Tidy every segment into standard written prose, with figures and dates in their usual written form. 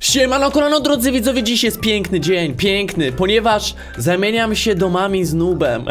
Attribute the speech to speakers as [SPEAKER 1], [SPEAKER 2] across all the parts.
[SPEAKER 1] Siemano, kolano, drodzy widzowie, dziś jest piękny dzień, piękny, ponieważ zamieniam się domami z Nubem.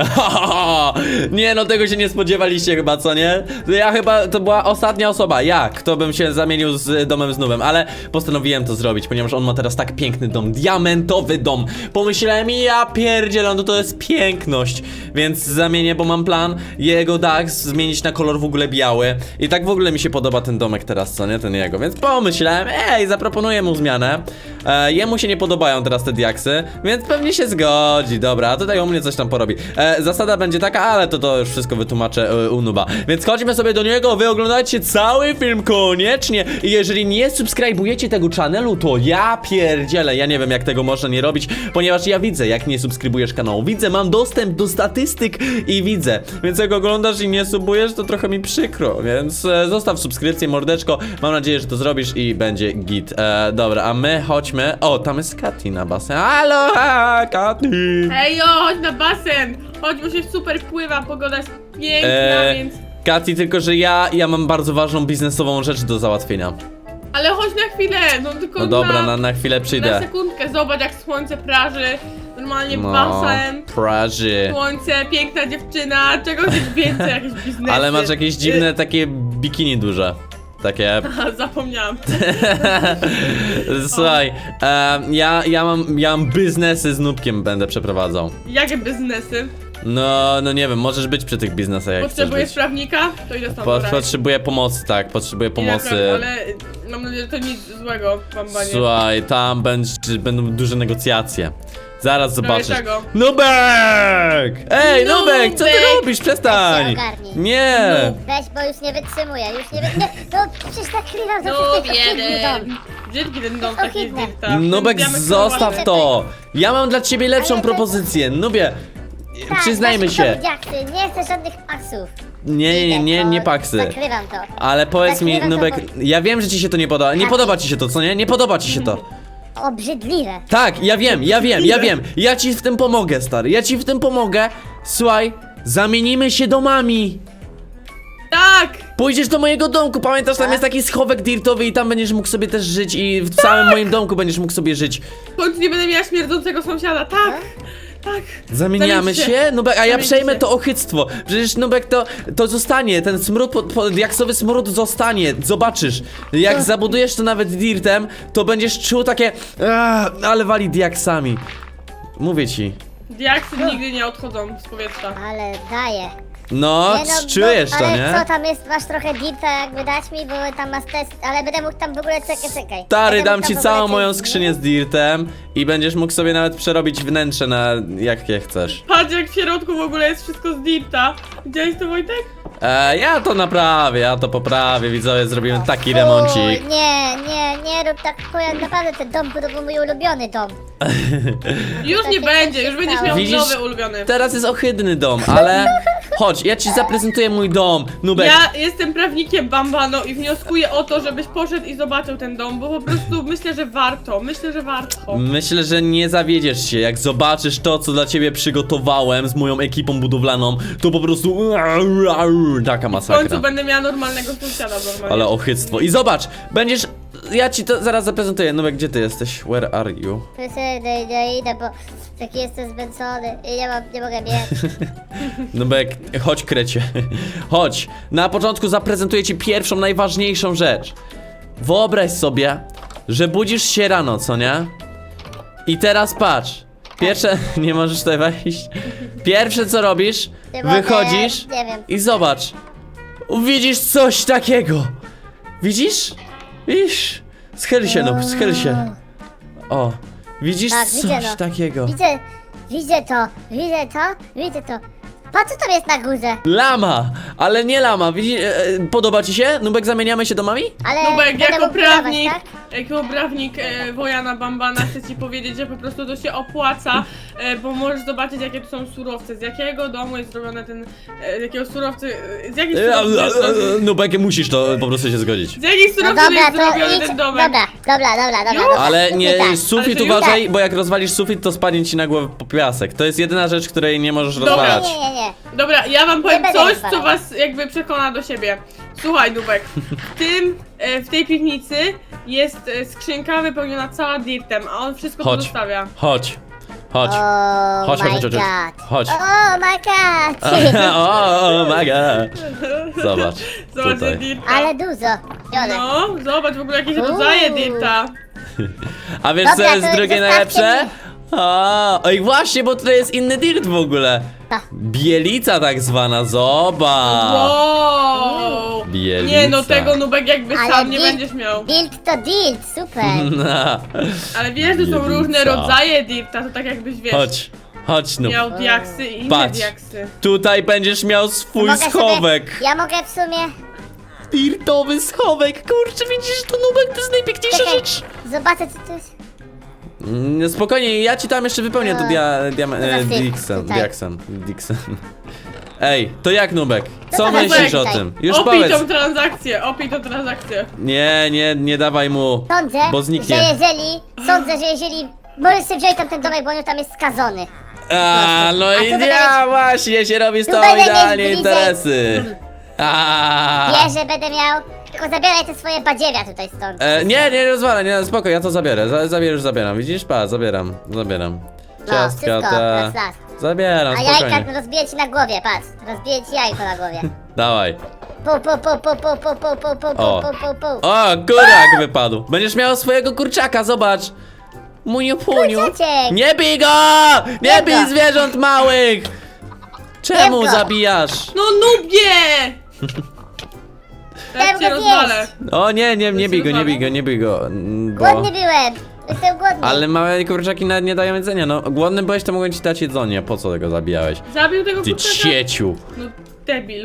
[SPEAKER 1] Nie no, tego się nie spodziewaliście chyba, co nie? Ja chyba, to była ostatnia osoba, kto bym się zamienił z domem z Nubem, ale postanowiłem to zrobić, ponieważ on ma teraz tak piękny dom, diamentowy dom. Pomyślałem, ja pierdzielę, no to jest piękność, więc zamienię, bo mam plan jego dach zmienić na kolor w ogóle biały. I tak w ogóle mi się podoba ten domek teraz, co nie? Ten jego, więc pomyślałem, zaproponuję mu zmianę. Jemu się nie podobają teraz te diaksy, więc pewnie się zgodzi. Dobra, a tutaj u mnie coś tam porobi. Zasada będzie taka, ale to już wszystko wytłumaczę u Nuba. Więc chodźmy sobie do niego, wy oglądajcie cały film koniecznie. I jeżeli nie subskrybujecie tego channelu, to ja pierdzielę. Ja nie wiem, jak tego można nie robić, ponieważ ja widzę, jak nie subskrybujesz kanału. Widzę, mam dostęp do statystyk i widzę. Więc jak oglądasz i nie subujesz, to trochę mi przykro. Więc zostaw subskrypcję, mordeczko. Mam nadzieję, że to zrobisz i będzie git. Dobra, a my chodźmy. O, tam jest Katy na basen. Halo, Katy!
[SPEAKER 2] Hejo, chodź na basen! Chodź, bo się super pływa, pogoda jest piękna, więc...
[SPEAKER 1] Katy, tylko że ja mam bardzo ważną biznesową rzecz do załatwienia.
[SPEAKER 2] Ale chodź na chwilę, no tylko
[SPEAKER 1] No dobra, na chwilę
[SPEAKER 2] na
[SPEAKER 1] przyjdę.
[SPEAKER 2] sekundkę, zobacz jak słońce praży. Normalnie
[SPEAKER 1] No,
[SPEAKER 2] basen,
[SPEAKER 1] praży.
[SPEAKER 2] słońce, piękna dziewczyna, czego chcesz więcej, jakieś biznesy.
[SPEAKER 1] Ale masz jakieś dziwne takie bikini duże. Takie.
[SPEAKER 2] Aha, zapomniałam.
[SPEAKER 1] Słuchaj, ja mam biznesy z Nubkiem, będę przeprowadzał.
[SPEAKER 2] Jakie biznesy?
[SPEAKER 1] No nie wiem, możesz być przy tych biznesach, jak chcesz
[SPEAKER 2] Potrzebujesz
[SPEAKER 1] być.
[SPEAKER 2] prawnika? To idę stąd brać.
[SPEAKER 1] Potrzebuję pomocy, tak, potrzebuję pomocy.
[SPEAKER 2] Ale mam nadzieję, że to nic złego wam banie.
[SPEAKER 1] Słuchaj, tam będą duże negocjacje. Zaraz zobaczysz.
[SPEAKER 2] czego?
[SPEAKER 1] Nubek! Ej, Nubek, co ty
[SPEAKER 2] Nubek!
[SPEAKER 1] robisz? Przestań!
[SPEAKER 3] Weź się ogarnij.
[SPEAKER 1] Nie!
[SPEAKER 3] Weź, bo już nie wytrzymuję, no przecież nakrywam za
[SPEAKER 2] No
[SPEAKER 3] wszystkie
[SPEAKER 2] jeden. Brzydki ten dom, taki
[SPEAKER 3] Ohydne.
[SPEAKER 2] dykta.
[SPEAKER 1] Nubek, zostaw to! Ja mam dla ciebie lepszą
[SPEAKER 3] Ale to-
[SPEAKER 1] propozycję. Nubie,
[SPEAKER 3] Tak,
[SPEAKER 1] przyznajmy
[SPEAKER 3] weź
[SPEAKER 1] się.
[SPEAKER 3] mi to, diaksy, nie chcę żadnych pasów.
[SPEAKER 1] Nie paksy.
[SPEAKER 3] Zakrywam to.
[SPEAKER 1] Ale powiedz mi,
[SPEAKER 3] Zakrywam to,
[SPEAKER 1] Nubek, ja wiem, że ci się to nie podoba. Nie
[SPEAKER 3] Tak.
[SPEAKER 1] podoba ci się to, co nie? Nie podoba ci się to.
[SPEAKER 3] Obrzydliwe.
[SPEAKER 1] Tak, ja wiem. Ja ci w tym pomogę, stary. Ja ci w tym pomogę. Słuchaj, zamienimy się domami.
[SPEAKER 2] Tak!
[SPEAKER 1] Pójdziesz do mojego domku, pamiętasz, tam jest taki schowek dirtowy i tam będziesz mógł sobie też żyć i w całym moim domku będziesz mógł sobie żyć.
[SPEAKER 2] W końcu nie będę miała śmierdzącego sąsiada, tak! Tak!
[SPEAKER 1] Zamieniamy
[SPEAKER 2] Zamień
[SPEAKER 1] się? Nubek, a ja
[SPEAKER 2] Zamień
[SPEAKER 1] przejmę
[SPEAKER 2] się.
[SPEAKER 1] to ochyctwo. Przecież Nubek to zostanie, ten smród, diaksowy smród zostanie, zobaczysz. Jak zabudujesz to nawet dirtem, to będziesz czuł takie, ale wali diaksami. Mówię ci.
[SPEAKER 2] Diaksy nigdy nie odchodzą z powietrza.
[SPEAKER 3] Ale daję.
[SPEAKER 1] No,
[SPEAKER 3] Nie,
[SPEAKER 1] czujesz to,
[SPEAKER 3] ale
[SPEAKER 1] nie?
[SPEAKER 3] co tam jest, masz trochę dirta jakby dać mi, bo tam masz test, ale będę mógł tam w ogóle, czekaj.
[SPEAKER 1] Stary,
[SPEAKER 3] Będę
[SPEAKER 1] dam
[SPEAKER 3] mógł
[SPEAKER 1] ci
[SPEAKER 3] tam w ogóle
[SPEAKER 1] całą
[SPEAKER 3] coś
[SPEAKER 1] moją
[SPEAKER 3] zmienić.
[SPEAKER 1] skrzynię z dirtem i będziesz mógł sobie nawet przerobić wnętrze na jakie chcesz.
[SPEAKER 2] Patrz jak w środku w ogóle jest wszystko z dirta. Widziałeś to, Wojtek?
[SPEAKER 1] Ja to naprawię, ja to poprawię, widzowie, zrobimy taki
[SPEAKER 3] Fuj,
[SPEAKER 1] remoncik.
[SPEAKER 3] nie rób tak, bo ja naprawdę ten dom to był mój ulubiony dom.
[SPEAKER 2] Już nie
[SPEAKER 3] Takie
[SPEAKER 2] będzie,
[SPEAKER 3] coś
[SPEAKER 2] już
[SPEAKER 3] się
[SPEAKER 2] będziesz
[SPEAKER 3] stało.
[SPEAKER 2] miał
[SPEAKER 1] Widzisz?
[SPEAKER 2] nowy ulubiony.
[SPEAKER 1] Teraz jest ohydny dom, ale chodź, ja ci zaprezentuję mój dom, Nubek.
[SPEAKER 2] Ja jestem prawnikiem Bambano i wnioskuję o to, żebyś poszedł i zobaczył ten dom, bo po prostu myślę, że warto.
[SPEAKER 1] Myślę, że nie zawiedziesz się, jak zobaczysz to, co dla ciebie przygotowałem z moją ekipą budowlaną, to po prostu taka
[SPEAKER 2] W
[SPEAKER 1] masakra.
[SPEAKER 2] końcu będę miała normalnego sąsiada normalnie.
[SPEAKER 1] Ale ochyctwo. I zobacz, będziesz... Ja ci to zaraz zaprezentuję. Nubek, gdzie ty jesteś? Where are you?
[SPEAKER 3] Idę, bo taki jestem zmęczony i nie mogę biec.
[SPEAKER 1] Nubek, chodź, krecie. Chodź. Na początku zaprezentuję ci pierwszą, najważniejszą rzecz. Wyobraź sobie, że budzisz się rano, co nie? I teraz patrz. Pierwsze... Nie możesz tutaj wejść. Pierwsze, co robisz,
[SPEAKER 3] Nie mogę,
[SPEAKER 1] wychodzisz
[SPEAKER 3] nie wiem.
[SPEAKER 1] i zobacz. Widzisz coś takiego. Widzisz? Widzisz? Schyl się, no, schyl się. O, widzisz
[SPEAKER 3] Tak,
[SPEAKER 1] coś
[SPEAKER 3] widzę, no.
[SPEAKER 1] takiego.
[SPEAKER 3] Widzę to. Patrz, co tam jest na górze.
[SPEAKER 1] Lama, ale nie lama. Widzisz, podoba ci się? Nubek, zamieniamy się domami?
[SPEAKER 3] Ale
[SPEAKER 2] Nubek,
[SPEAKER 3] będę
[SPEAKER 2] jako
[SPEAKER 3] mógł budować,
[SPEAKER 2] prawnik,
[SPEAKER 3] tak?
[SPEAKER 2] jako prawnik Wojana Bambana chcę ci powiedzieć, że po prostu to się opłaca, bo możesz zobaczyć jakie tu są surowce, z jakiego domu jest zrobione ten, z jakiego surowcy, z jakich surowców jest zrobiony,
[SPEAKER 1] Nubek, musisz to po prostu się zgodzić.
[SPEAKER 2] z jakich
[SPEAKER 3] No
[SPEAKER 2] surowców
[SPEAKER 3] dobra,
[SPEAKER 2] jest
[SPEAKER 3] to
[SPEAKER 2] zrobiony
[SPEAKER 3] idź.
[SPEAKER 2] ten domek.
[SPEAKER 3] Dobra.
[SPEAKER 1] Ale nie,
[SPEAKER 3] Tak.
[SPEAKER 1] sufit
[SPEAKER 2] Ale to
[SPEAKER 1] uważaj, bo jak rozwalisz sufit, to spadnie ci na głowę po piasek. To jest jedyna rzecz, której nie możesz
[SPEAKER 2] Dobra.
[SPEAKER 1] rozwalać.
[SPEAKER 3] Nie.
[SPEAKER 2] Dobra, ja wam powiem
[SPEAKER 3] będę
[SPEAKER 2] coś,
[SPEAKER 3] rozwalać.
[SPEAKER 2] co was jakby przekona do siebie. Słuchaj, Nubek, w tej piwnicy jest skrzynka wypełniona cała dirtem, a on wszystko
[SPEAKER 1] Chodź.
[SPEAKER 2] pozostawia.
[SPEAKER 1] Chodź. Chodź.
[SPEAKER 3] Oh
[SPEAKER 1] Chodź,
[SPEAKER 3] my
[SPEAKER 1] chodź, chodź,
[SPEAKER 3] god.
[SPEAKER 1] chodź.
[SPEAKER 3] Oh my god.
[SPEAKER 1] O, my god. Zobacz.
[SPEAKER 2] Zobacz,
[SPEAKER 1] Tutaj.
[SPEAKER 2] dirta.
[SPEAKER 3] Ale dużo. Biorę.
[SPEAKER 2] No, zobacz w ogóle jakieś rodzaje dirta.
[SPEAKER 1] A wiesz co
[SPEAKER 3] Dobra,
[SPEAKER 1] jest
[SPEAKER 3] to
[SPEAKER 1] drugie
[SPEAKER 3] zostawcie
[SPEAKER 1] najlepsze?
[SPEAKER 3] mnie.
[SPEAKER 1] Oj właśnie, bo tutaj jest inny dirt w ogóle.
[SPEAKER 3] Ta.
[SPEAKER 1] Bielica tak zwana, zobacz.
[SPEAKER 2] Wow!
[SPEAKER 1] Bielica.
[SPEAKER 2] Nie no, tego Nubek jakby
[SPEAKER 3] Ale
[SPEAKER 2] sam nie
[SPEAKER 3] dirt-
[SPEAKER 2] będziesz miał.
[SPEAKER 3] Dirt to dirt, super.
[SPEAKER 1] No.
[SPEAKER 2] Ale wiesz, że są
[SPEAKER 1] Bielica.
[SPEAKER 2] różne rodzaje dirta, to tak jakbyś wiesz,
[SPEAKER 1] Chodź, chodź no.
[SPEAKER 2] miał diaksy i inne
[SPEAKER 1] Patrz.
[SPEAKER 2] diaksy.
[SPEAKER 1] Tutaj będziesz miał swój
[SPEAKER 3] Mogę sobie-
[SPEAKER 1] schowek.
[SPEAKER 3] Ja mogę w sumie...
[SPEAKER 1] Dirtowy schowek, kurczę, widzisz to Nubek, to jest najpiękniejsza
[SPEAKER 3] Czekaj,
[SPEAKER 1] rzecz.
[SPEAKER 3] zobaczę co to jest.
[SPEAKER 1] Spokojnie, ja ci tam jeszcze wypełnię to
[SPEAKER 3] To za syf
[SPEAKER 1] Dixon,
[SPEAKER 3] tutaj.
[SPEAKER 1] Dixon. Ej, to jak Nubek? Co
[SPEAKER 3] to
[SPEAKER 1] myślisz o
[SPEAKER 3] tutaj.
[SPEAKER 1] tym? Już
[SPEAKER 2] Opij
[SPEAKER 1] powiedz.
[SPEAKER 2] tą transakcję, opij tą transakcję.
[SPEAKER 1] Nie dawaj mu.
[SPEAKER 3] Sądzę,
[SPEAKER 1] Bo zniknie.
[SPEAKER 3] że jeżeli... Możesz sobie wziąć tam ten domek, bo on tam jest skazony.
[SPEAKER 1] A, no
[SPEAKER 3] A
[SPEAKER 1] i
[SPEAKER 3] tu będę
[SPEAKER 1] ja właśnie się robi z
[SPEAKER 3] tu
[SPEAKER 1] tobą
[SPEAKER 3] będę mieć
[SPEAKER 1] idealnie
[SPEAKER 3] bliżej.
[SPEAKER 1] interesy.
[SPEAKER 3] Wiesz, że będę miał... Tylko zabieraj te swoje badziewia tutaj stąd.
[SPEAKER 1] Nie rozwalę, nie, spoko, ja to zabiorę, już zabieram, widzisz? Pa, zabieram. Ciastka,
[SPEAKER 3] wszystko,
[SPEAKER 1] te...
[SPEAKER 3] raz, raz.
[SPEAKER 1] Zabieram,
[SPEAKER 3] A jajka
[SPEAKER 1] spokojnie.
[SPEAKER 3] rozbiję ci na głowie, patrz. Rozbiję ci jajko na głowie.
[SPEAKER 1] Dawaj.
[SPEAKER 3] Pu, pu, pu, pu, pu, pu, pu, pu, pu,
[SPEAKER 1] O.
[SPEAKER 3] pu, pu, pu.
[SPEAKER 1] O, kurak wypadł. Będziesz miał swojego kurczaka, zobacz. Muniu puniu.
[SPEAKER 3] Kurczaczek.
[SPEAKER 1] Nie bij go! Nie
[SPEAKER 3] Nie
[SPEAKER 1] bij
[SPEAKER 3] go.
[SPEAKER 1] zwierząt małych! Czemu
[SPEAKER 3] Nie go.
[SPEAKER 1] zabijasz?
[SPEAKER 2] No Nubie! Teraz cię
[SPEAKER 3] go
[SPEAKER 2] rozwalę.
[SPEAKER 1] O nie bij go, nie bij go. Bo...
[SPEAKER 3] Głodny byłem. Jestem głodny.
[SPEAKER 1] Ale małe kurczaki nawet nie dają jedzenia, no. Głodny byłeś, to mogłem ci dać jedzenie, po co tego zabijałeś?
[SPEAKER 2] Zabił tego
[SPEAKER 1] Ty
[SPEAKER 2] kurczaka?
[SPEAKER 1] cieciu.
[SPEAKER 2] No debil.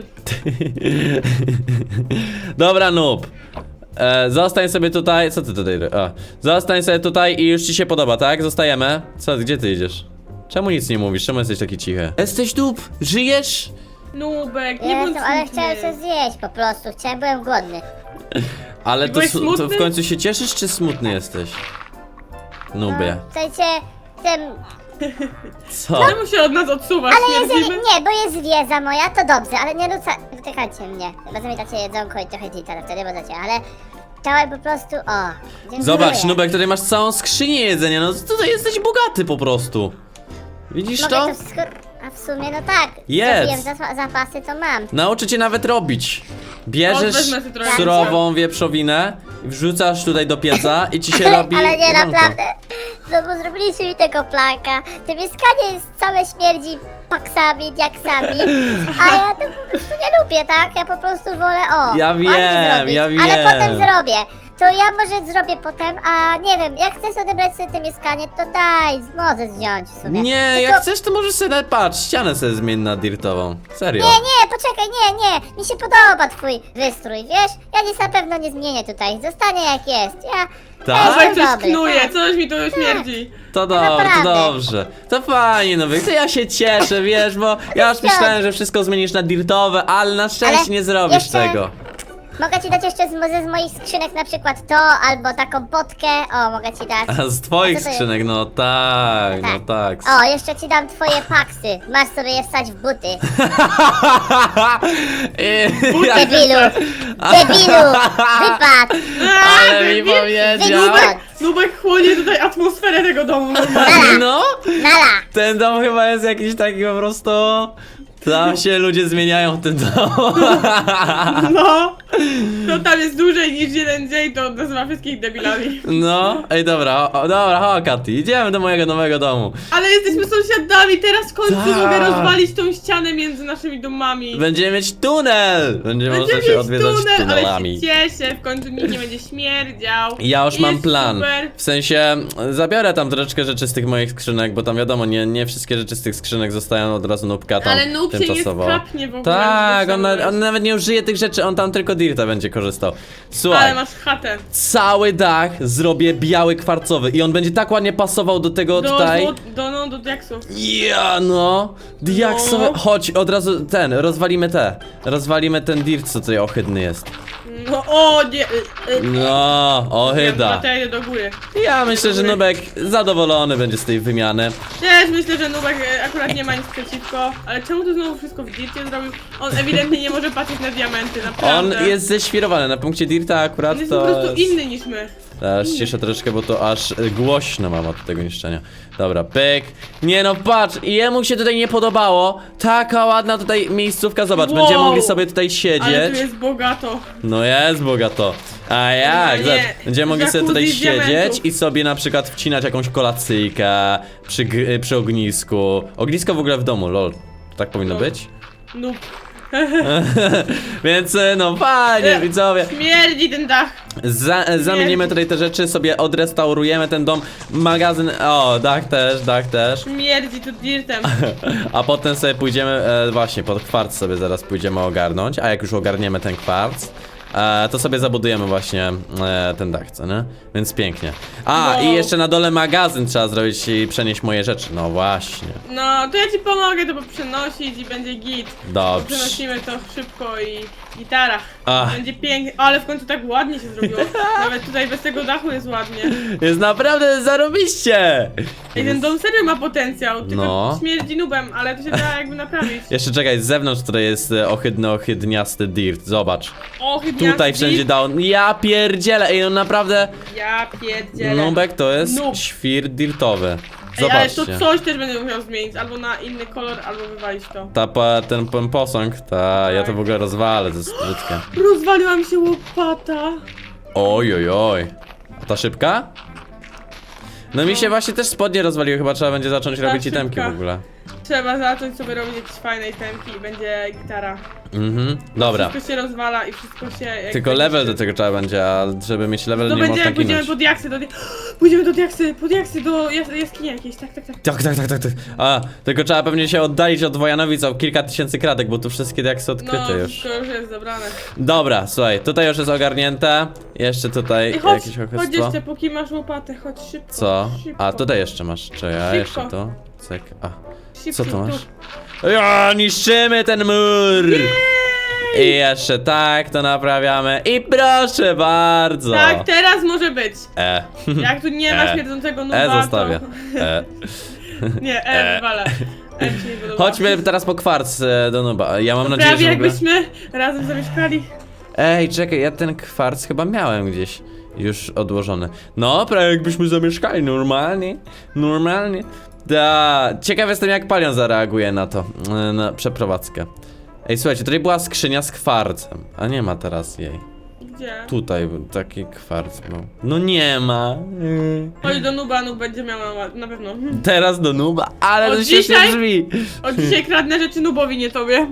[SPEAKER 1] Dobra, noob. Zostań sobie tutaj. Co ty tutaj? Zostań sobie tutaj i już ci się podoba, tak? Zostajemy. Co, gdzie ty idziesz? Czemu nic nie mówisz? Czemu jesteś taki cichy? Jesteś noob? Żyjesz?
[SPEAKER 2] Nubek, nie bądź
[SPEAKER 3] Jestem, ale
[SPEAKER 2] smutny.
[SPEAKER 3] chciałem coś zjeść po prostu. Byłem głodny.
[SPEAKER 1] Ale to,
[SPEAKER 2] Byłeś
[SPEAKER 1] to
[SPEAKER 2] smutny?
[SPEAKER 1] w końcu się cieszysz, czy smutny jesteś? Nubie.
[SPEAKER 3] W sensie... Ten...
[SPEAKER 1] Co?
[SPEAKER 2] Czemu się od nas odsuwasz?
[SPEAKER 3] Ale jeżeli...
[SPEAKER 2] Śmierdzimy?
[SPEAKER 3] Nie, bo jest wiedza moja, to dobrze, ale nie dotykajcie mnie. Chyba zamietacie jedzonko i trochę dzita, wtedy możecie, ale... Chciałem po prostu... O, dziękuję.
[SPEAKER 1] Zobacz, Nubek, tutaj masz całą skrzynię jedzenia, no tutaj jesteś bogaty po prostu. Widzisz
[SPEAKER 3] Mogę
[SPEAKER 1] to?
[SPEAKER 3] to wszystko... A w sumie, no tak.
[SPEAKER 1] Jedz.
[SPEAKER 3] Zrobiłem zapasy, to mam.
[SPEAKER 1] Nauczę cię nawet robić. Bierzesz
[SPEAKER 2] wezmę sobie trochę.
[SPEAKER 1] surową wieprzowinę, wrzucasz tutaj do pieca i ci się robi
[SPEAKER 3] Ale nie,
[SPEAKER 1] jedzonko.
[SPEAKER 3] naprawdę. No bo zrobiliście mi tego planka. To mieszkanie jest całe śmierdzi paksami, diaksami. A ja to po prostu nie lubię, tak? Ja po prostu wolę,
[SPEAKER 1] Ja
[SPEAKER 3] ładnie
[SPEAKER 1] wiem,
[SPEAKER 3] zrobić.
[SPEAKER 1] ja
[SPEAKER 3] Ale
[SPEAKER 1] wiem.
[SPEAKER 3] potem zrobię. To ja może zrobię potem, a nie wiem, jak chcesz odebrać sobie to mieszkanie, to daj, możesz wziąć w sumie.
[SPEAKER 1] Nie,
[SPEAKER 3] Tylko...
[SPEAKER 1] jak chcesz to możesz sobie nawet, patrz, ścianę sobie zmień na dirtową. Serio.
[SPEAKER 3] Nie, poczekaj, nie. Mi się podoba twój wystrój, wiesz? Ja nic na pewno nie zmienię tutaj. Zostanie jak jest. Ja
[SPEAKER 1] Tak?
[SPEAKER 2] Nubek
[SPEAKER 3] jestem
[SPEAKER 2] coś
[SPEAKER 3] dobry,
[SPEAKER 2] knuje,
[SPEAKER 3] tak.
[SPEAKER 2] coś mi tu śmierdzi.
[SPEAKER 1] To
[SPEAKER 3] naprawdę.
[SPEAKER 1] dobrze. To fajnie, Nubek, to ja się cieszę, wiesz, bo ja już myślałem, że wszystko zmienisz na dirtowe, ale na szczęście
[SPEAKER 3] Ale
[SPEAKER 1] nie zrobisz
[SPEAKER 3] jeszcze-
[SPEAKER 1] tego.
[SPEAKER 3] Mogę ci dać jeszcze z moich skrzynek na przykład to, albo taką potkę. O, mogę ci dać.
[SPEAKER 1] A z twoich
[SPEAKER 3] A co to jest?
[SPEAKER 1] skrzynek, no tak, no tak.
[SPEAKER 3] O, jeszcze ci dam twoje paksy. Masz sobie je wstać w buty. Debilu! Debilu! Wypad!
[SPEAKER 1] Ale mi powiedział.
[SPEAKER 3] Wypad!
[SPEAKER 2] Nubek chłonie tutaj atmosferę tego domu normalnie.
[SPEAKER 1] No,
[SPEAKER 3] Nala!
[SPEAKER 1] ten dom chyba jest jakiś taki po prostu... Tam się ludzie zmieniają w tym domu.
[SPEAKER 2] No, to tam jest dłużej niż jeden dzień, to nazywa wszystkich debilami.
[SPEAKER 1] No, ej dobra, dobra, chodź Katy, idziemy do mojego nowego domu.
[SPEAKER 2] Ale jesteśmy sąsiadami, teraz w końcu
[SPEAKER 1] Tak.
[SPEAKER 2] mogę rozwalić tą ścianę między naszymi domami.
[SPEAKER 1] Będziemy mieć tunel! Będziemy można się
[SPEAKER 2] mieć
[SPEAKER 1] odwiedzać
[SPEAKER 2] tunel, ale
[SPEAKER 1] tunelami.
[SPEAKER 2] się cieszę, w końcu nikt nie będzie śmierdział.
[SPEAKER 1] Ja już mam
[SPEAKER 2] Jest
[SPEAKER 1] plan.
[SPEAKER 2] super.
[SPEAKER 1] W sensie zabiorę tam troszeczkę rzeczy z tych moich skrzynek, bo tam wiadomo, nie wszystkie rzeczy z tych skrzynek zostają od razu nubka tam
[SPEAKER 2] Ale noob się nie
[SPEAKER 1] tymczasowo.
[SPEAKER 2] skapnie w ogóle.
[SPEAKER 1] Tak,
[SPEAKER 2] żeby
[SPEAKER 1] on
[SPEAKER 2] ciągnąć.
[SPEAKER 1] nawet nie użyje tych rzeczy, on tam tylko dirta będzie korzystał. Słuchaj,
[SPEAKER 2] Ale masz chatę.
[SPEAKER 1] cały dach zrobię biały kwarcowy i on będzie tak ładnie pasował do tego tutaj.
[SPEAKER 2] Do diaksu.
[SPEAKER 1] Ja no, diaksowe.
[SPEAKER 2] No.
[SPEAKER 1] Chodź, od razu rozwalimy ten dirt, co tutaj ohydny jest.
[SPEAKER 2] No o nie!
[SPEAKER 1] No, ohyda.
[SPEAKER 2] Ja idę do góry.
[SPEAKER 1] Ja myślę, że Nubek zadowolony będzie z tej wymiany.
[SPEAKER 2] Też myślę, że Nubek akurat nie ma nic przeciwko, ale czemu tu znowu wszystko w dircie zrobił? On ewidentnie nie może patrzeć na diamenty,
[SPEAKER 1] On
[SPEAKER 2] naprawdę.
[SPEAKER 1] jest ześwirowany, na punkcie Dirta akurat
[SPEAKER 2] On jest po
[SPEAKER 1] to
[SPEAKER 2] prostu
[SPEAKER 1] jest...
[SPEAKER 2] inny niż my.
[SPEAKER 1] Teraz cieszę troszeczkę, bo to aż głośno mam od tego niszczenia. Dobra, pyk. Nie no, patrz, jemu się tutaj nie podobało. Taka ładna tutaj miejscówka, zobacz,
[SPEAKER 2] Wow.
[SPEAKER 1] będziemy mogli sobie tutaj
[SPEAKER 2] Ale tu
[SPEAKER 1] siedzieć.
[SPEAKER 2] jest bogato.
[SPEAKER 1] No jest bogato. A jak?
[SPEAKER 2] nie.
[SPEAKER 1] Zobacz, będziemy mogli sobie tutaj
[SPEAKER 2] Jacuzzi z
[SPEAKER 1] siedzieć
[SPEAKER 2] diamentów.
[SPEAKER 1] i sobie na przykład wcinać jakąś kolacyjkę przy ognisku. Ognisko w ogóle w domu, lol. Tak powinno
[SPEAKER 2] No.
[SPEAKER 1] być?
[SPEAKER 2] Noob.
[SPEAKER 1] Więc no fajnie, widzowie.
[SPEAKER 2] Śmierdzi ten dach.
[SPEAKER 1] Zamienimy tutaj te rzeczy, sobie odrestaurujemy ten dom, magazyn, o, dach też.
[SPEAKER 2] Śmierdzi tu dirtem.
[SPEAKER 1] A potem sobie pójdziemy, właśnie, pod kwarc sobie zaraz pójdziemy ogarnąć, a jak już ogarniemy ten kwarc, to sobie zabudujemy właśnie ten dach, co nie? Więc pięknie. A,
[SPEAKER 2] Wow.
[SPEAKER 1] i jeszcze na dole magazyn trzeba zrobić i przenieść moje rzeczy, no właśnie.
[SPEAKER 2] No, to ja ci pomogę to przenosić i będzie git.
[SPEAKER 1] Dobrze.
[SPEAKER 2] Przenosimy to szybko i gitara.
[SPEAKER 1] Ach.
[SPEAKER 2] Będzie pięknie, ale w końcu tak ładnie się zrobiło. Nawet tutaj bez tego dachu jest ładnie.
[SPEAKER 1] Jest naprawdę zarobiście!
[SPEAKER 2] I ten dom serio ma potencjał, tylko
[SPEAKER 1] No.
[SPEAKER 2] śmierdzi nubem, ale to się da jakby naprawić.
[SPEAKER 1] Jeszcze czekaj, z zewnątrz tutaj jest ohydniasty dirt, zobacz.
[SPEAKER 2] O, chyba
[SPEAKER 1] Tutaj wszędzie down. Ja pierdzielę, ej, on naprawdę...
[SPEAKER 2] Ja pierdzielę.
[SPEAKER 1] Nubek to jest
[SPEAKER 2] Noob.
[SPEAKER 1] świr dirtowy.
[SPEAKER 2] Ej, ale
[SPEAKER 1] Zobaczcie.
[SPEAKER 2] to coś też będę musiał zmienić, albo na inny kolor, albo wywalić to.
[SPEAKER 1] Ten posąg, ja to w ogóle rozwalę, to jest brzydkie.
[SPEAKER 2] Rozwaliła mi się łopata.
[SPEAKER 1] Oj, oj, oj. A ta szybka? No mi się właśnie też spodnie rozwaliły, chyba trzeba będzie zacząć robić
[SPEAKER 2] szybka.
[SPEAKER 1] itemki w ogóle.
[SPEAKER 2] Trzeba zacząć sobie robić jakieś fajne itemki i będzie gitara.
[SPEAKER 1] Dobra.
[SPEAKER 2] Wszystko się rozwala i wszystko się... jak
[SPEAKER 1] Tylko
[SPEAKER 2] będzie
[SPEAKER 1] level
[SPEAKER 2] się-
[SPEAKER 1] do tego trzeba będzie, a żeby mieć level
[SPEAKER 2] To
[SPEAKER 1] nie
[SPEAKER 2] będzie
[SPEAKER 1] można
[SPEAKER 2] jak pójdziemy
[SPEAKER 1] ginąć.
[SPEAKER 2] pod jaksy, pójdziemy pod jaksy, do jaskini jakiejś, tak.
[SPEAKER 1] Tak. A, tylko trzeba pewnie się oddalić od Wojanowic o kilka tysięcy kratek, bo tu wszystkie jak są
[SPEAKER 2] No,
[SPEAKER 1] odkryte już.
[SPEAKER 2] wszystko już jest zabrane.
[SPEAKER 1] Dobra, słuchaj, tutaj już jest ogarnięte. Jeszcze tutaj
[SPEAKER 2] I chodź,
[SPEAKER 1] jakieś
[SPEAKER 2] chodź
[SPEAKER 1] ochystwo.
[SPEAKER 2] jeszcze, póki masz łopatę, chodź szybko.
[SPEAKER 1] Co?
[SPEAKER 2] Szybko.
[SPEAKER 1] A, tutaj jeszcze masz. Czy ja
[SPEAKER 2] Szybko.
[SPEAKER 1] jeszcze to? Cyk, a.
[SPEAKER 2] Szybko,
[SPEAKER 1] Co to masz?
[SPEAKER 2] tu.
[SPEAKER 1] Ja, niszczymy ten mur! I jeszcze tak to naprawiamy. I proszę bardzo!
[SPEAKER 2] Tak, teraz może być. Jak tu nie ma
[SPEAKER 1] E.
[SPEAKER 2] śmierdzącego nuba,
[SPEAKER 1] Zostawię.
[SPEAKER 2] to... Nie, wywala. Mi się nie podoba.
[SPEAKER 1] Chodźmy teraz po kwarc do Nuba. Ja mam nadzieję,
[SPEAKER 2] Prawie
[SPEAKER 1] że w ogóle...
[SPEAKER 2] jakbyśmy razem zamieszkali.
[SPEAKER 1] Ej, czekaj, ja ten kwarc chyba miałem gdzieś już odłożony. No, prawie jakbyśmy zamieszkali normalnie. Normalnie. Da, ciekaw jestem jak Palion zareaguje na to, na przeprowadzkę. Ej, słuchajcie, tutaj była skrzynia z kwarcem, a nie ma teraz jej.
[SPEAKER 2] Gdzie?
[SPEAKER 1] Tutaj był taki kwarc był. No nie ma.
[SPEAKER 2] Chodź do nuba, nub będzie miał na pewno.
[SPEAKER 1] Teraz do Nuba, ale
[SPEAKER 2] Od
[SPEAKER 1] to świetnie
[SPEAKER 2] dzisiaj?
[SPEAKER 1] brzmi.
[SPEAKER 2] Od dzisiaj kradnę rzeczy nubowi, nie tobie.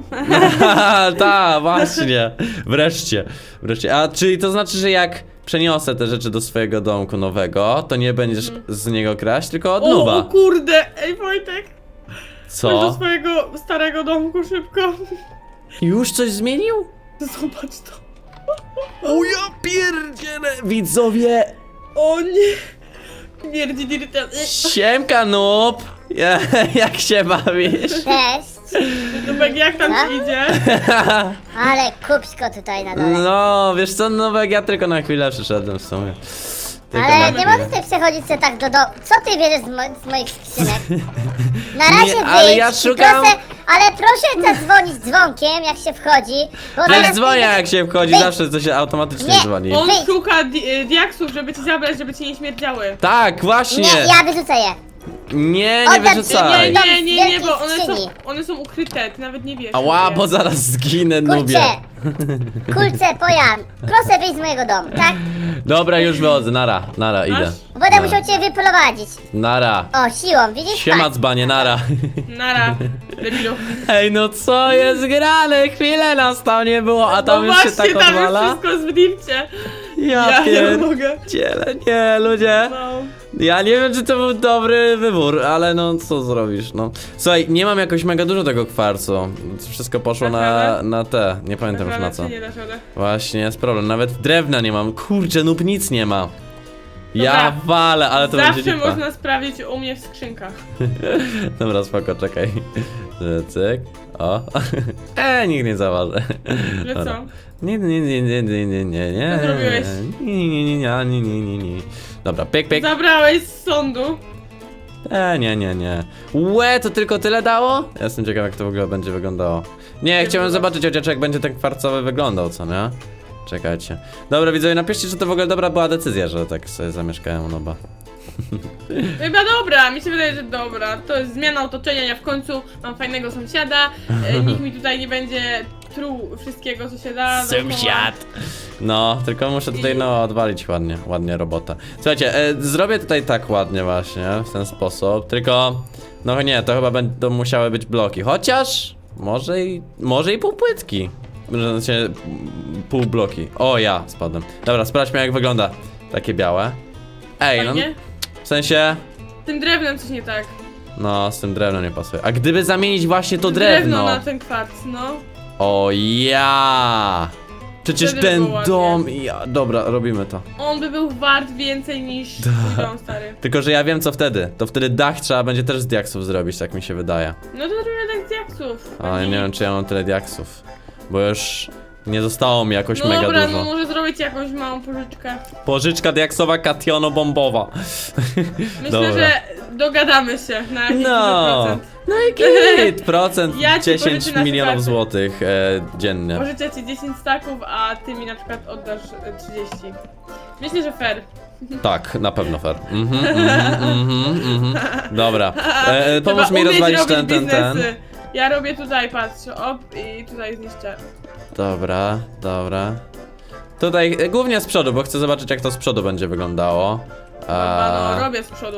[SPEAKER 1] Ta, właśnie. Wreszcie. A czyli to znaczy, że jak przeniosę te rzeczy do swojego domku nowego, to nie będziesz z niego kraść, tylko od
[SPEAKER 2] O
[SPEAKER 1] Nuba.
[SPEAKER 2] kurde, ej Wojtek. Chodź do
[SPEAKER 1] Co?
[SPEAKER 2] swojego starego domku szybko.
[SPEAKER 1] Już coś zmienił?
[SPEAKER 2] Zobacz to.
[SPEAKER 1] O ja pierdzielę! Widzowie!
[SPEAKER 2] O nie. Mierdzi dirtem.
[SPEAKER 1] Siemka, Nub! Jak się bawisz?
[SPEAKER 3] Cześć.
[SPEAKER 2] Nubek, jak tam ci idzie?
[SPEAKER 3] Ale kupsko tutaj na dole.
[SPEAKER 1] No, wiesz co, Nubek, ja tylko na chwilę przyszedłem w sumie. Tylko
[SPEAKER 3] Ale
[SPEAKER 1] na
[SPEAKER 3] nie
[SPEAKER 1] chwilę.
[SPEAKER 3] możesz tutaj przechodzić sobie tak do domu. Co ty bierzesz z moich skrzynek? Na razie
[SPEAKER 1] Nie, ale
[SPEAKER 3] wyjdź
[SPEAKER 1] ja
[SPEAKER 3] i
[SPEAKER 1] szukam-
[SPEAKER 3] proszę zadzwonić dzwonkiem, jak się wchodzi. Bo
[SPEAKER 1] Wiesz,
[SPEAKER 3] zaraz
[SPEAKER 1] dzwonię
[SPEAKER 3] wyjdę-
[SPEAKER 1] jak się wchodzi,
[SPEAKER 3] Wyjdź.
[SPEAKER 1] zawsze to się automatycznie
[SPEAKER 3] Nie,
[SPEAKER 1] dzwoni.
[SPEAKER 2] On
[SPEAKER 3] Wyjdź.
[SPEAKER 2] szuka diaksów, żeby ci zabrać, żeby ci nie śmierdziały.
[SPEAKER 1] Tak, właśnie!
[SPEAKER 3] Nie, ja wyrzucę je.
[SPEAKER 1] Nie
[SPEAKER 3] Oddam ci,
[SPEAKER 1] wyrzucaj!
[SPEAKER 3] Dom
[SPEAKER 2] Nie,
[SPEAKER 3] z
[SPEAKER 2] bo
[SPEAKER 3] wielkiej
[SPEAKER 2] one są ukryte, ty nawet nie wiesz.
[SPEAKER 1] Ała,
[SPEAKER 2] gdzie.
[SPEAKER 1] bo zaraz zginę, Nubie.
[SPEAKER 3] Kurczę, pojan. Proszę wyjść z mojego domu, tak?
[SPEAKER 1] Dobra, już wychodzę, nara, idę.
[SPEAKER 2] Masz?
[SPEAKER 3] Będę musiał cię wyprowadzić.
[SPEAKER 1] Nara.
[SPEAKER 3] O, siłą, widzisz?
[SPEAKER 1] Siema dzbanie, nara.
[SPEAKER 2] Nara, debilu.
[SPEAKER 1] Ej, no co jest grane? Chwilę nas tam nie było, a tam
[SPEAKER 2] No
[SPEAKER 1] już się
[SPEAKER 2] właśnie,
[SPEAKER 1] tak
[SPEAKER 2] tam
[SPEAKER 1] odwala?
[SPEAKER 2] jest wszystko w dircie.
[SPEAKER 1] Ja
[SPEAKER 2] nie mogę.
[SPEAKER 1] pierdzielę, nie, ludzie.
[SPEAKER 2] No.
[SPEAKER 1] Ja nie wiem, czy to był dobry wybór, ale no, co zrobisz, no. Słuchaj, nie mam jakoś mega dużo tego kwarcu. Wszystko poszło
[SPEAKER 2] Dasz
[SPEAKER 1] na
[SPEAKER 2] radę?
[SPEAKER 1] te, nie pamiętam już na
[SPEAKER 2] Naprawdę,
[SPEAKER 1] co.
[SPEAKER 2] czy nie dasz radę?
[SPEAKER 1] Właśnie, jest problem, nawet drewna nie mam. Kurczę, Nub nic nie ma. Ja walę, ale to będzie
[SPEAKER 2] Zawsze
[SPEAKER 1] lipa.
[SPEAKER 2] można sprawdzić u mnie w skrzynkach.
[SPEAKER 1] Dobra, spoko, czekaj. Cyk. O. Nikt nie zauważy.
[SPEAKER 2] Że
[SPEAKER 1] Dobra.
[SPEAKER 2] co?
[SPEAKER 1] Nie.
[SPEAKER 2] Co zrobiłeś?
[SPEAKER 1] Nie. Dobra, pyk, pyk.
[SPEAKER 2] Zabrałeś z sądu.
[SPEAKER 1] Nie. Łe, to tylko tyle dało? Ja jestem ciekaw, jak to w ogóle będzie wyglądało. Nie, chciałem zobaczyć chociaż jak będzie ten kwarcowy wyglądał, co nie? Czekajcie. Dobra, widzowie, napiszcie, czy to w ogóle dobra była decyzja, że tak sobie zamieszkałem u Noba.
[SPEAKER 2] Chyba dobra, mi się wydaje, że dobra. To jest zmiana otoczenia, ja w końcu mam fajnego sąsiada. Nikt mi tutaj nie będzie truł wszystkiego, co się da. dookoła.
[SPEAKER 1] No, tylko muszę tutaj, no, odwalić ładnie robotę. Słuchajcie, zrobię tutaj tak ładnie właśnie, w ten sposób, tylko... No nie, to chyba będą musiały być bloki, chociaż... Może i półpłytki. Znaczy, pół bloki. O, ja spadłem. Dobra, sprawdźmy, jak wygląda takie białe. Ej, no,
[SPEAKER 2] Fajnie?
[SPEAKER 1] w sensie...
[SPEAKER 2] Z tym drewnem coś nie tak.
[SPEAKER 1] No, z tym drewnem nie pasuje. A gdyby zamienić właśnie to drewno...
[SPEAKER 2] na ten kwarc, no.
[SPEAKER 1] O ja! Przecież
[SPEAKER 2] Wtedy by
[SPEAKER 1] ten
[SPEAKER 2] było
[SPEAKER 1] dom... Dobra, robimy to.
[SPEAKER 2] On by był wart więcej niż twój dom, stary.
[SPEAKER 1] Tylko, że ja wiem co wtedy. To wtedy dach trzeba będzie też z diaksów zrobić, tak mi się wydaje.
[SPEAKER 2] No to zrobimy tak z diaksów.
[SPEAKER 1] Ale nie wiem, czy ja mam tyle diaksów. Bo już nie zostało mi jakoś
[SPEAKER 2] No
[SPEAKER 1] mega
[SPEAKER 2] dobra,
[SPEAKER 1] dużo.
[SPEAKER 2] no może zrobić jakąś małą pożyczkę.
[SPEAKER 1] Pożyczka diaksowa kationo-bombowa.
[SPEAKER 2] Myślę,
[SPEAKER 1] Dobra.
[SPEAKER 2] że dogadamy się na jakiś duży
[SPEAKER 1] No.
[SPEAKER 2] procent.
[SPEAKER 1] No i git! Procent
[SPEAKER 2] Ja ci
[SPEAKER 1] 10
[SPEAKER 2] pożyczę na
[SPEAKER 1] milionów
[SPEAKER 2] przykład-
[SPEAKER 1] złotych dziennie.
[SPEAKER 2] Pożyczę ci 10 staków, a ty mi na przykład oddasz 30. Myślę, że fair.
[SPEAKER 1] Tak, na pewno fair. Dobra. Pomóż
[SPEAKER 2] Trzeba
[SPEAKER 1] mi
[SPEAKER 2] umieć
[SPEAKER 1] rozwalić
[SPEAKER 2] robić
[SPEAKER 1] ten.
[SPEAKER 2] biznesy. Ja robię tutaj, patrz, op i tutaj zniszczę.
[SPEAKER 1] Dobra. Tutaj głównie z przodu, bo chcę zobaczyć jak to z przodu będzie wyglądało.
[SPEAKER 2] No, robię z przodu.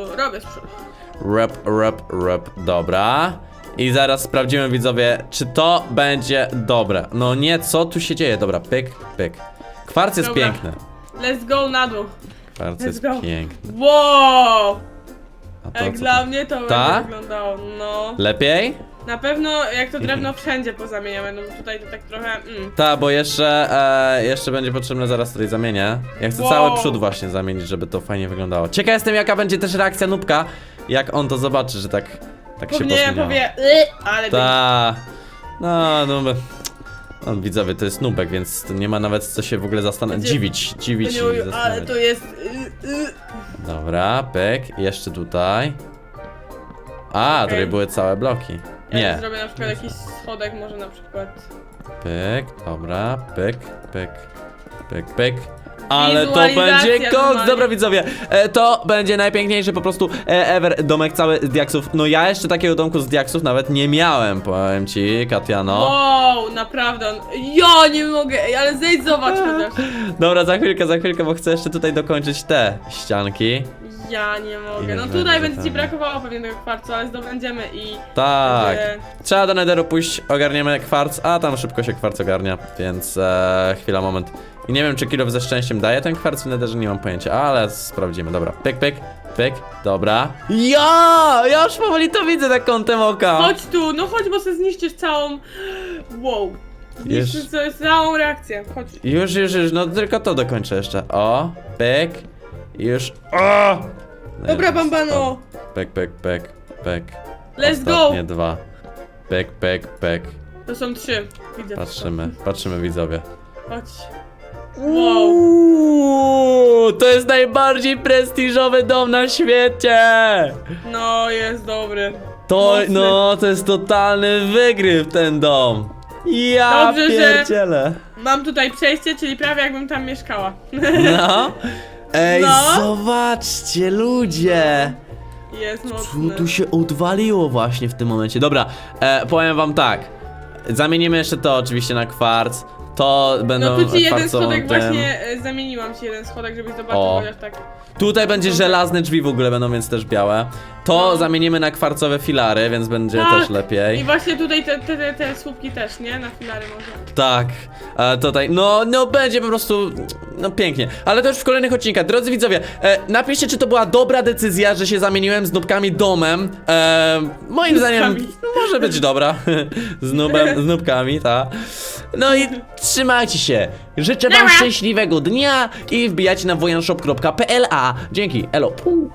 [SPEAKER 1] Rep, dobra. I zaraz sprawdzimy, widzowie, czy to będzie dobre. No nie, co tu się dzieje? Dobra, pyk. Kwarc jest
[SPEAKER 2] Dobra.
[SPEAKER 1] piękny.
[SPEAKER 2] Let's go na dół.
[SPEAKER 1] Kwarc
[SPEAKER 2] Let's
[SPEAKER 1] jest
[SPEAKER 2] go.
[SPEAKER 1] piękny.
[SPEAKER 2] Wow!
[SPEAKER 1] A to
[SPEAKER 2] Jak
[SPEAKER 1] co
[SPEAKER 2] dla
[SPEAKER 1] to?
[SPEAKER 2] mnie to
[SPEAKER 1] Ta?
[SPEAKER 2] będzie wyglądało, no.
[SPEAKER 1] Lepiej?
[SPEAKER 2] Na pewno jak to drewno wszędzie pozamieniamy, no tutaj to tak trochę,
[SPEAKER 1] Tak, bo jeszcze będzie potrzebne, zaraz tutaj zamienię. Ja chcę
[SPEAKER 2] Wow.
[SPEAKER 1] cały przód właśnie zamienić, żeby to fajnie wyglądało. Ciekaw jestem, jaka będzie też reakcja Nubka, jak on to zobaczy, że tak się
[SPEAKER 2] Pewnie
[SPEAKER 1] posmieniało.
[SPEAKER 2] powie, ale
[SPEAKER 1] Ta. No, widzowie, to jest Nubek, więc to nie ma nawet co się w ogóle zastanowić, dziwić i
[SPEAKER 2] ale
[SPEAKER 1] zastanawiać.
[SPEAKER 2] to jest,
[SPEAKER 1] Dobra, pyk, jeszcze tutaj. A,
[SPEAKER 2] Okej.
[SPEAKER 1] tutaj były całe bloki.
[SPEAKER 2] Ja
[SPEAKER 1] Nie,
[SPEAKER 2] zrobię na przykład jakiś schodek może na przykład.
[SPEAKER 1] pyk, dobra, pyk. Ale to
[SPEAKER 2] Wizualizacja
[SPEAKER 1] będzie koks!
[SPEAKER 2] normalnie.
[SPEAKER 1] Dobra, widzowie, to będzie najpiękniejszy po prostu ever domek cały z diaksów. No ja jeszcze takiego domku z diaksów nawet nie miałem, powiem ci, Katiano.
[SPEAKER 2] Wow, naprawdę, ja nie mogę, ej, ale zejdź zobacz chociaż.
[SPEAKER 1] Dobra, za chwilkę, bo chcę jeszcze tutaj dokończyć te ścianki.
[SPEAKER 2] Ja nie mogę,
[SPEAKER 1] I
[SPEAKER 2] no
[SPEAKER 1] będzie
[SPEAKER 2] tutaj będzie ci
[SPEAKER 1] fajnie.
[SPEAKER 2] brakowało pewnie tego kwarcu, ale zdobędziemy i...
[SPEAKER 1] Tak.
[SPEAKER 2] będzie-
[SPEAKER 1] Trzeba do Netheru pójść, ogarniemy kwarc, a tam szybko się kwarc ogarnia, więc chwila, moment. I nie wiem, czy kilof ze szczęściem daje ten kwarc w Netherze, nie mam pojęcia, ale sprawdzimy. Dobra, pyk, dobra. Ja już powoli to widzę na kątem oka.
[SPEAKER 2] Chodź tu, no chodź, bo sobie zniszczysz całą... Wow. Zniszczysz
[SPEAKER 1] Już.
[SPEAKER 2] sobie całą reakcję, chodź.
[SPEAKER 1] Już, no tylko to dokończę jeszcze. O, pyk, już, o! No
[SPEAKER 2] Dobra,
[SPEAKER 1] jest,
[SPEAKER 2] Bambano.
[SPEAKER 1] Pyk.
[SPEAKER 2] Let's go.
[SPEAKER 1] Ostatnie dwa. Pyk.
[SPEAKER 2] To są 3, widzę.
[SPEAKER 1] Patrzymy, widzowie.
[SPEAKER 2] Chodź. Wow.
[SPEAKER 1] To jest najbardziej prestiżowy dom na świecie!
[SPEAKER 2] No, jest dobry.
[SPEAKER 1] To,
[SPEAKER 2] Mocny.
[SPEAKER 1] to jest totalny wygryw ten dom. Ja
[SPEAKER 2] Dobrze, że-
[SPEAKER 1] pierdzielę.
[SPEAKER 2] Mam tutaj przejście, czyli prawie jakbym tam mieszkała.
[SPEAKER 1] No. Ej,
[SPEAKER 2] No.
[SPEAKER 1] zobaczcie, ludzie.
[SPEAKER 2] Jest
[SPEAKER 1] Co
[SPEAKER 2] mocny.
[SPEAKER 1] tu się odwaliło właśnie w tym momencie? Dobra, powiem wam tak. Zamienimy jeszcze to oczywiście na kwarc. To będą
[SPEAKER 2] No tu ci jeden
[SPEAKER 1] kwarcową
[SPEAKER 2] schodek
[SPEAKER 1] tym.
[SPEAKER 2] właśnie, zamieniłam ci jeden schodek, żebyś zobaczył,
[SPEAKER 1] O.
[SPEAKER 2] chociaż tak.
[SPEAKER 1] Tutaj będzie żelazne drzwi w ogóle będą, więc też białe. To
[SPEAKER 2] No.
[SPEAKER 1] zamienimy na kwarcowe filary, więc będzie
[SPEAKER 2] Tak.
[SPEAKER 1] też lepiej.
[SPEAKER 2] I właśnie tutaj te słupki też, nie? Na filary może.
[SPEAKER 1] Tak, tutaj, no będzie po prostu, no pięknie. Ale to już w kolejnych odcinkach. Drodzy widzowie, napiszcie, czy to była dobra decyzja, że się zamieniłem z Nubkami domem. Moim zdaniem
[SPEAKER 2] Nubkami.
[SPEAKER 1] może być dobra. z Nubkami, tak. No i trzymajcie się. Życzę wam
[SPEAKER 2] Nara.
[SPEAKER 1] szczęśliwego dnia i wbijajcie na wojanshop.pl. Dzięki, elo. Pu.